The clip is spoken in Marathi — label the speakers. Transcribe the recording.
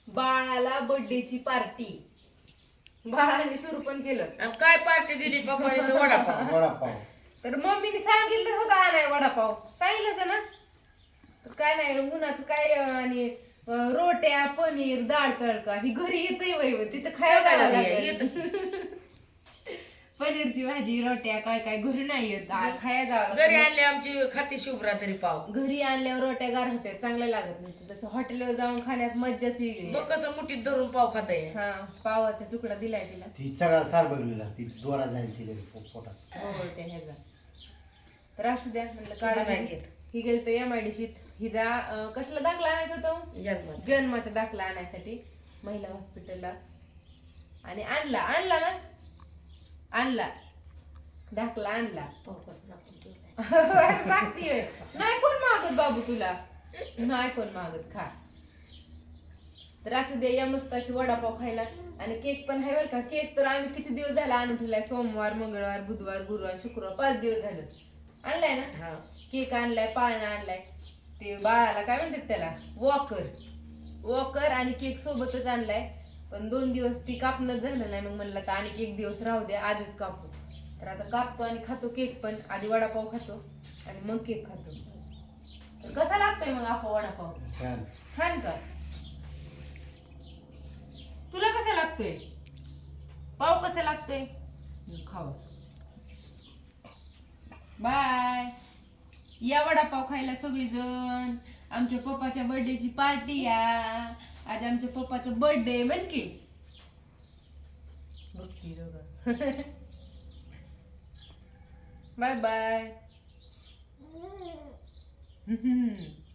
Speaker 1: बाळाला बर्थडेची पार्टी बाळाने सुरू पण केलं.
Speaker 2: आणि काय पार्टी दिली पप्पाने तर वडापाव.
Speaker 3: वडापाव
Speaker 1: तर मम्मीने सांगितलं होतं आणाय वडापाव, सांगितलं होतं ना. तर काय नाही उन्हाचं काय आणि रोट्या पनीर डाळ तडका ही घरी येतंय वय तिथं खायला
Speaker 2: काय
Speaker 1: लागेल.
Speaker 2: येतं.
Speaker 1: पनीरची भाजी रोट्या काय काय घरी नाही येत खाया जावं
Speaker 2: घरी
Speaker 1: लागतं.
Speaker 2: आणले आमची खाती शुभ्रा तरी पाव.
Speaker 1: घरी आणल्यावर रोट्या गार होत्या चांगल्या लागत नाही. तसं हॉटेलवर जाऊन खाण्यात मज्जाच वेगळी
Speaker 2: मग
Speaker 1: आहे.
Speaker 2: कसं मुठीत धरून पाव खाताय.
Speaker 1: हा पावाचा तुकडा दिलाय तिला.
Speaker 3: ती सगळा सार बघलेला ती दोरा जाईल तिला पोटात.
Speaker 1: हो त्या ह्याचा तर असू द्या म्हणलं काढा
Speaker 2: नाही
Speaker 1: नाही.
Speaker 2: घेत.
Speaker 1: ही गेली तर MIDCत हिचा कसला दाखला आणायचा होता
Speaker 2: जन्माचं.
Speaker 1: जन्माचा दाखला आणायसाठी महिला हॉस्पिटलला. आणि आणला ना आणला दाखला आणला.
Speaker 2: पाव कसं दाखवून ठेवलाय.
Speaker 1: सांगतीये नाही कोण मागत बाबू तुला, नाही कोण मागत खा. तर असू दे या मस्त अशी वडापाव खायला. आणि केक पण आहे बरं का. केक तर आम्ही किती दिवस झाला आणून ठेवलाय. सोमवार मंगळवार बुधवार गुरुवार शुक्रवार 5 दिवस झालं आणलाय ना.
Speaker 2: हा.
Speaker 1: केक आणलाय पाळणा आणलाय. ते बाळाला काय म्हणतात त्याला वॉकर आणि केक सोबतच आणलाय. पण 2 दिवस ती कापणं झालं नाही. मग म्हणलं तर आणि 1 दिवस राहू द्या आजच कापू. तर आता कापतो आणि खातो केक पण. आधी वडापाव खातो आणि मग केक खातो. तर कसा लागतोय मग आपा वडापाव
Speaker 3: छान
Speaker 1: छान का. तुला कसा लागतोय पाव कसा लागतोय खाऊ. बाय. या वडापाव खायला सगळीजण. आमच्या पप्पाच्या बर्थडेची पार्टी या. आज आमच्या पप्पाचं बर्थडे म्हण की. बघती दोघं. Bye bye.